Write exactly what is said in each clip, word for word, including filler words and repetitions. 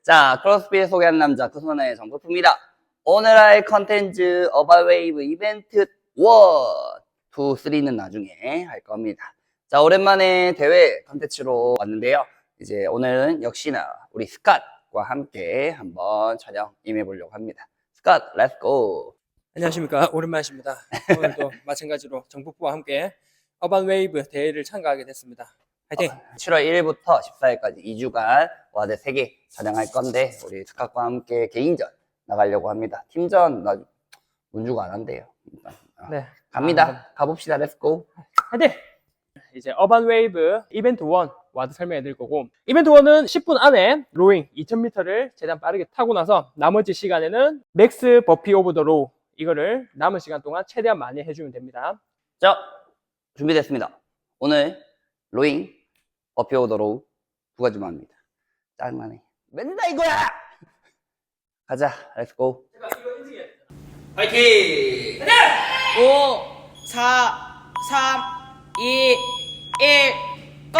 자, 크로스핏 소개하는 남자, 그 손의 정국프입니다. 오늘 할 컨텐츠, 어바웨이브 이벤트 일, 이, 삼는 나중에 할 겁니다. 자, 오랜만에 대회 컨텐츠로 왔는데요. 이제 오늘은 역시나 우리 스캇과 함께 한번 촬영 임해보려고 합니다. 스캇, 렛츠고! 안녕하십니까, 오랜만이십니다. 오늘도 마찬가지로 정북부와 함께 어반웨이브 대회를 참가하게 됐습니다. 화이팅! 어, 칠월 일일부터 십사일까지 이 주간 와드 세 개 촬영할 건데 우리 스캇과 함께 개인전 나가려고 합니다. 팀전 나 문주가 안 한대요. 일단. 어, 네, 갑니다. 아, 가봅시다. 렛츠고! 화이팅! 이제 어반웨이브 이벤트 일 와드 설명해 드릴 거고, 이벤트 일은 십 분 안에 로잉 이천 미터를 최대한 빠르게 타고 나서 나머지 시간에는 맥스 버피 오브 더 로우, 이거를 남은 시간 동안 최대한 많이 해주면 됩니다. 자, 준비됐습니다. 오늘 로잉, 버피 오더 로우 두 가지만 합니다. 짜증나네. 맨날 이거야! 가자. 렛츠고! 화이팅! 오, 사, 삼, 이, 일, 고!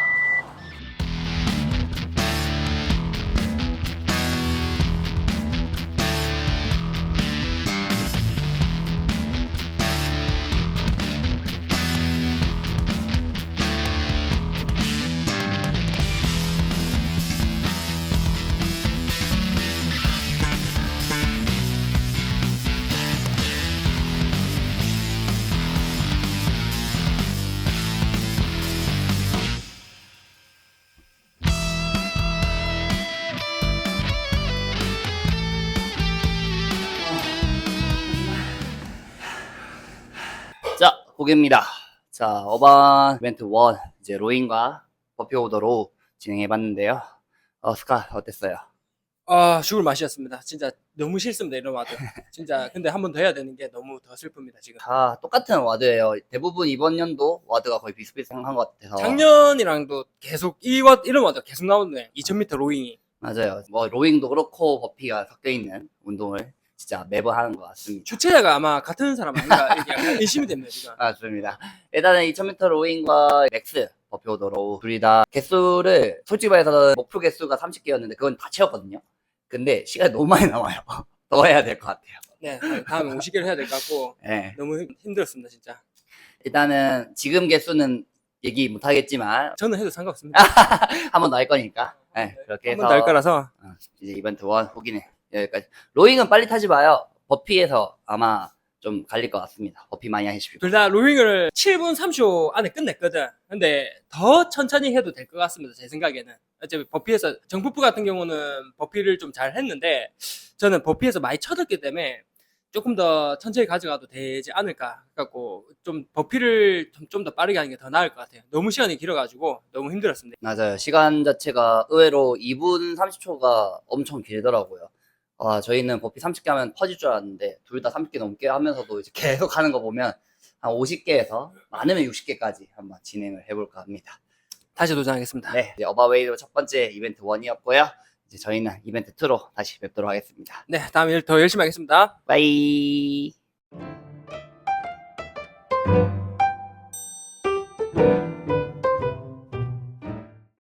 자, 보기입니다. 자, 어반 이벤트 일, 이제 로잉과 버피 오더 로우 진행해봤는데요. 어, 스캇, 어땠어요? 아, 죽을 맛이었습니다. 진짜 너무 싫습니다, 이런 와드. 진짜 근데 한 번 더 해야 되는 게 너무 더 슬픕니다, 지금. 다 똑같은 와드예요. 대부분 이번 연도 와드가 거의 비슷비슷한 것 같아서. 작년이랑도 계속 이 와, 이런 와드가 계속 나오네. 이천 미터 로잉이. 맞아요. 뭐 로잉도 그렇고 버피가 섞여 있는 운동을 진짜 매번 하는 것 같습니다. 주최자가 아마 같은 사람 아닌가 이렇게 약간 의심이 됩니다, 지금. 맞습니다. 일단은 이천 미터 로잉과 맥스 버피 오더 로우 둘이 다 개수를 솔직히 말해서 목표 개수가 삼십 개였는데 그건 다 채웠거든요. 근데 시간이 너무 많이 남아요. 더 해야 될 것 같아요. 네, 다음에 오십 개를 해야 될 것 같고 네. 너무 힘- 힘들었습니다, 진짜. 일단은 지금 개수는 얘기 못 하겠지만 저는 해도 상관없습니다. 한 번 더 할 거니까. 네, 그렇게 한 해서 번 더 할 거라서. 어, 이제 이벤트 일 후기는 여기까지. 로잉은 빨리 타지 마요. 버피에서 아마 좀 갈릴 것 같습니다. 버피 많이 하십시오. 둘 다 로잉을 칠 분 삼십 초 안에 끝냈거든. 근데 더 천천히 해도 될 것 같습니다, 제 생각에는. 어차피 버피에서 정프프 같은 경우는 버피를 좀 잘 했는데 저는 버피에서 많이 쳐졌기 때문에 조금 더 천천히 가져가도 되지 않을까 갖고 좀 버피를 좀 더 빠르게 하는 게 더 나을 것 같아요. 너무 시간이 길어가지고 너무 힘들었습니다. 맞아요. 시간 자체가 의외로 이 분 삼십 초가 엄청 길더라고요. 아, 저희는 버피 삼십 개 하면 퍼질 줄 알았는데 둘 다 삼십 개 넘게 하면서도 이제 계속 하는 거 보면 한 오십 개에서 많으면 육십 개까지 한번 진행을 해볼까 합니다. 다시 도전하겠습니다. 네, 이제 어바웨이로 첫 번째 이벤트 일이었고요. 이제 저희는 이벤트 이로 다시 뵙도록 하겠습니다. 네, 다음에 더 열심히 하겠습니다. 빠이.